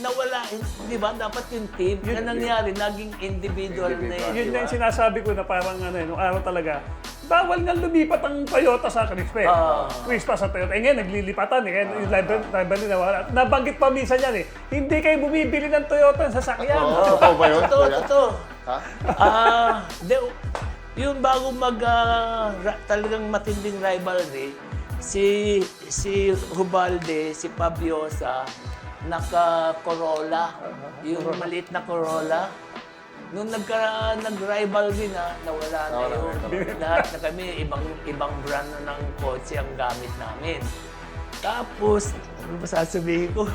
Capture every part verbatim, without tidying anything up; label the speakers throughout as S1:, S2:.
S1: nawala, di ba? Dapat yung team.
S2: Yun-
S1: Yan nangyari, naging individual, na
S3: Individual.
S1: yun,
S2: Yun
S1: di
S2: na
S1: ba?
S2: yung sinasabi ko na parang ano, eh, nung araw talaga, bawal nga lumipat ang Toyota sa Crispa. eh.
S1: Ah.
S2: Crispa sa Toyota. Eh ngayon, naglilipatan eh. Kaya yung rival, rival na wala. Nabanggit pa minsan yan eh. Hindi kayo bumibili ng Toyota sa sasakyan.
S3: Oo, totoo ba yun?
S1: Totoo,
S3: Kuya?
S1: totoo.
S3: Ha?
S1: Ah, de, yung bago mag ah, ra- talagang matinding rivalry, si si Hubalde, si Pabiosa, naka Corolla, yung maliit na Corolla. Nung nagka nag-rivalry na, nawala na
S3: Nawala
S1: yun.
S3: na,
S1: Lahat na kami, ibang ibang brand na ng kotse ang gamit namin. Tapos, ano ba sasabihin ko?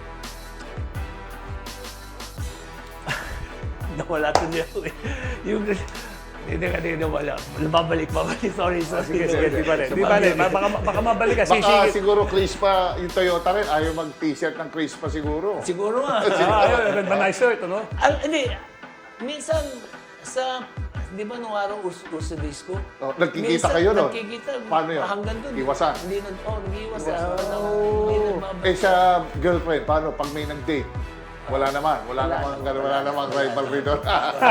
S1: Nawala tuloy ako eh. Yung, hindi ka din nawala. Babalik, babalik. Sorry, sorry.
S2: Sige, sige, di ba Di ba Baka, baka mabalik ka.
S3: Baka
S2: Sisingit.
S3: siguro Crispa, yung Toyota rin, ayaw mag-t-shirt ng Crispa siguro.
S1: Siguro nga.
S2: Ah, ayun, ba nice shirt, ano?
S1: Al, hindi, minsan sa, di ba nung araw us uso disco?
S3: Oh, nagkikita
S1: Minsan,
S3: kayo, no?
S1: Nagkikita.
S3: Paano yun?
S1: Hanggang doon.
S3: Iwasan?
S1: Hindi na, oh, nag-iwasan.
S3: Oh.
S1: Hindi nagbabalik.
S3: Eh sa girlfriend, paano pag may nag-date? Wala naman, wala,
S1: Wala
S3: namang,
S1: naman.
S3: wala, namang rivalry doon.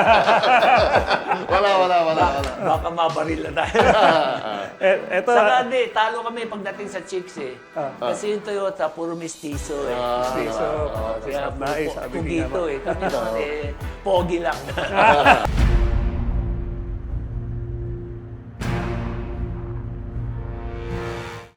S3: wala, wala, wala, wala.
S1: Baka mabaril na tayo.
S2: Eh, eto,
S1: Saka hindi, talo kami pagdating sa chicks eh.
S2: Ah.
S1: Kasi yung Toyota, puro mistiso eh.
S3: Ah,
S2: so,
S1: Kaya
S2: nais,
S1: puro
S2: sabi
S1: po-
S2: ni
S1: pugito
S2: Ama.
S1: eh. Kami naman eh, pogi lang.